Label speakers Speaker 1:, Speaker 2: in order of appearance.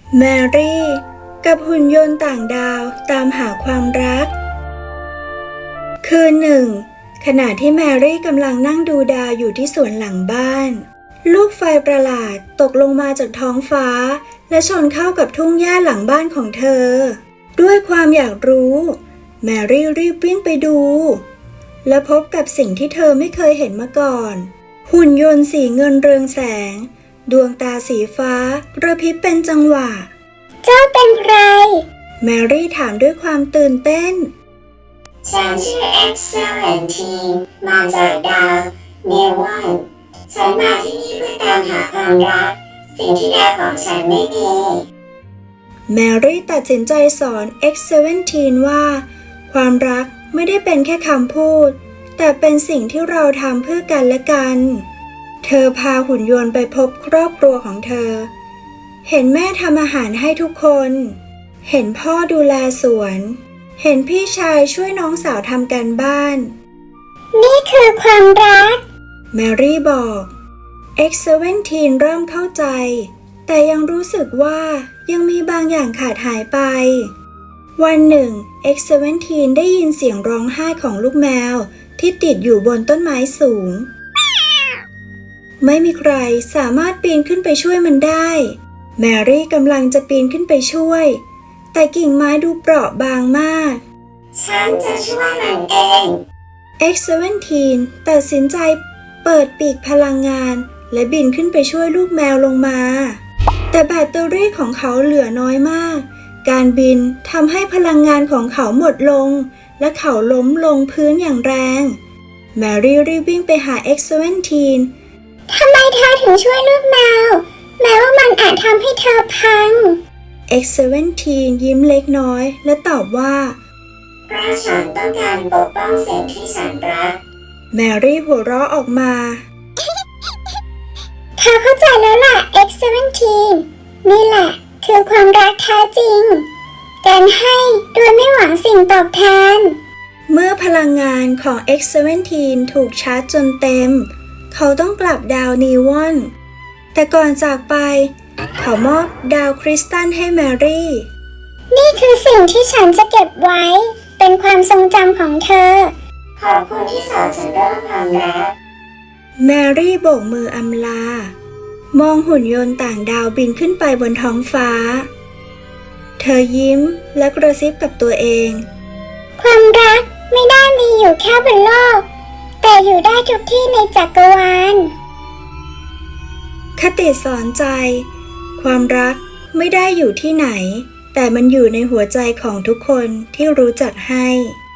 Speaker 1: แมรี่กับหุ่นยนต์ต่างดาวตามหาความรักคืนหนึ่งขณะที่แมรี่กำลังนั่งดูดาวอยู่ที่สวนหลังบ้านลูกไฟประหลาดตกลงมาจากท้องฟ้าและชนเข้ากับทุ่งหญ้าหลังบ้านของเธอด้วยความอยากรู้แมรี่รีบวิ่งไปดูและพบกับสิ่งที่เธอไม่เคยเห็นมาก่อนหุ่นยนต์สีเงินเรืองแสงดวงตาสีฟ้ากระพริบเป็นจังหวะ
Speaker 2: เจ้าเป็นใคร
Speaker 1: แมรี่ถามด้วยความตื่นเต้น
Speaker 2: ฉันชื่อExcellentineมาจากดาวเนวอนฉันมาที่นี่เพื่อตามหาความรักสิ่งที่ดาวของฉันไม่มี
Speaker 1: แมรี่ตัดสินใจสอน X17 ว่าความรักไม่ได้เป็นแค่คำพูดแต่เป็นสิ่งที่เราทำเพื่อกันและกันเธอพาหุ่นยนต์ไปพบครอบครัวของเธอเห็นแม่ทำอาหารให้ทุกคนเห็นพ่อดูแลสวนเห็นพี่ชายช่วยน้องสาวทำการบ้าน
Speaker 2: นี่คือความรัก
Speaker 1: แมรี่บอก X17 เริ่มเข้าใจแต่ยังรู้สึกว่ายังมีบางอย่างขาดหายไปวันหนึ่ง X17 ได้ยินเสียงร้องไห้ของลูกแมวที่ติดอยู่บนต้นไม้สูงไม่มีใครสามารถปีนขึ้นไปช่วยมันได้แมรี่กำลังจะปีนขึ้นไปช่วยแต่กิ่งไม้ดูเปราะบางมาก
Speaker 2: ฉันจะช่วยมันเอง
Speaker 1: X17 ตัดสินใจเปิดปีกพลังงานและบินขึ้นไปช่วยลูกแมวลงมาแต่แบตเตอรี่ของเขาเหลือน้อยมากการบินทำให้พลังงานของเขาหมดลงและเขาล้มลงพื้นอย่างแรงแมรี่รีบวิ่งไปหา X17
Speaker 2: ทำไมเธอถึงช่วยลูกแมวแม้ว่ามันอาจทำให้เธอพัง
Speaker 1: X17 ยิ้มเล็กน้อยและตอบว่า
Speaker 2: เพราะฉันต้องการปกป้องสิ่งที่ฉันรัก
Speaker 1: แมรี่หัวเราะออกมา
Speaker 2: เธอเข้าใจแล้วล่ะ X17 นี่แหละคือความรักแท้จริงการให้โดยไม่หวังสิ่งตอบแทน
Speaker 1: เมื่อพลังงานของ X17 ถูกชาร์จจนเต็มเขาต้องกลับดาวนีวอนแต่ก่อนจากไปเขามอบดาวคริสตัลให้แมรี่
Speaker 2: นี่คือสิ่งที่ฉันจะเก็บไว้เป็นความทรงจำของเธอขอบคุณที่สอนฉันเรื่องความรัก
Speaker 1: แมรี่โบกมืออำลามองหุ่นยนต์ต่างดาวบินขึ้นไปบนท้องฟ้าเธอยิ้มและกระซิบกับตัวเอง
Speaker 2: ความรักไม่ได้มีอยู่แค่บนโลกแต่อยู่ได้ทุกที่ในจักรวาล
Speaker 1: คติสอนใจความรักไม่ได้อยู่ที่ไหนแต่มันอยู่ในหัวใจของทุกคนที่รู้จักให้